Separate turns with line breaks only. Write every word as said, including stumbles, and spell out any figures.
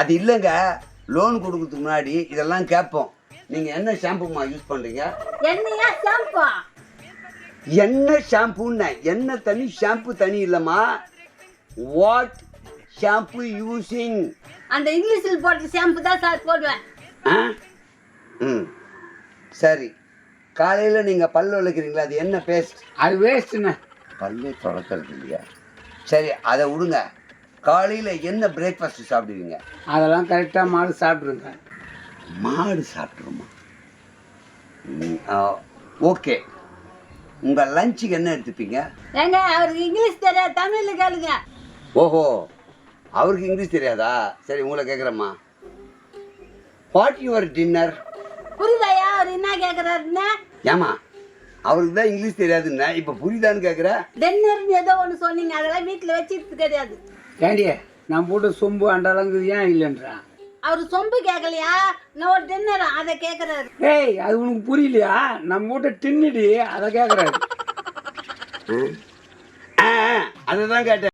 அது இல்லைங்க, லோன் கொடுக்கறதுக்கு முன்னாடி இதெல்லாம் கேட்போம். நீங்கள் என்ன ஷாம்புமா யூஸ் பண்ணுறீங்க?
என்னையா ஷாம்பு?
என்ன ஷாம்புன்னு? என்ன தனி ஷாம்பு தனி இல்லைம்மா. What shampoo using?
அந்த இங்கிலீஷில் போட்ட ஷாம்பு தான் சார் போடுவேன்.
ஆ ம் சரி. காலையில் நீங்கள் பல் விளக்குறீங்களா, அது என்ன பேஸ்ட்?
அது வேஸ்ட்டுண்ணே.
பல்லே தொடக்கிறது இல்லையா? சரி அதை விடுங்க. காலையில் என்ன பிரேக்ஃபாஸ்ட்டு சாப்பிடுவீங்க?
அதெல்லாம் கரெக்டாக மாடு சாப்பிட்ருங்க.
மாடு சாப்பிட்ருமா? ஓகே. உங்கள் லஞ்சுக்கு என்ன எடுத்துப்பீங்க?
ஏங்க அவருக்கு இங்கிலீஷ் தெரியாது, தமிழில் கேளுங்க.
ஓஹோ, அவருக்கு இங்கிலீஷ் தெரியாதா? சரி உங்களை கேட்குறேம்மா. What your dinner?
புரியுதாயா அவர் என்ன கேட்குறாருன்னு?
ஏமா அவருக்கு தான் இங்கிலீஷ் தெரியாதுன்னா இப்போ புரியுதான்னு கேட்குற?
டின்னர்னு ஏதோ ஒன்று சொன்னீங்க, அதெல்லாம் வீட்டில் வச்சுட்டு கிடையாது.
ஏண்டி நான் போட்டு சொம்பு அண்டலங்கு ஏன் இல்லைன்றான்?
அவர் சொம்பு கேட்கலையா, நான் ஒரு டின்னர் அதை கேட்குறாரு.
ஏய் அது உனக்கு புரியலையா? நம்ம போட்டு டின்னுடி அதை கேட்குறாரு.
அதை தான் கேட்டேன்.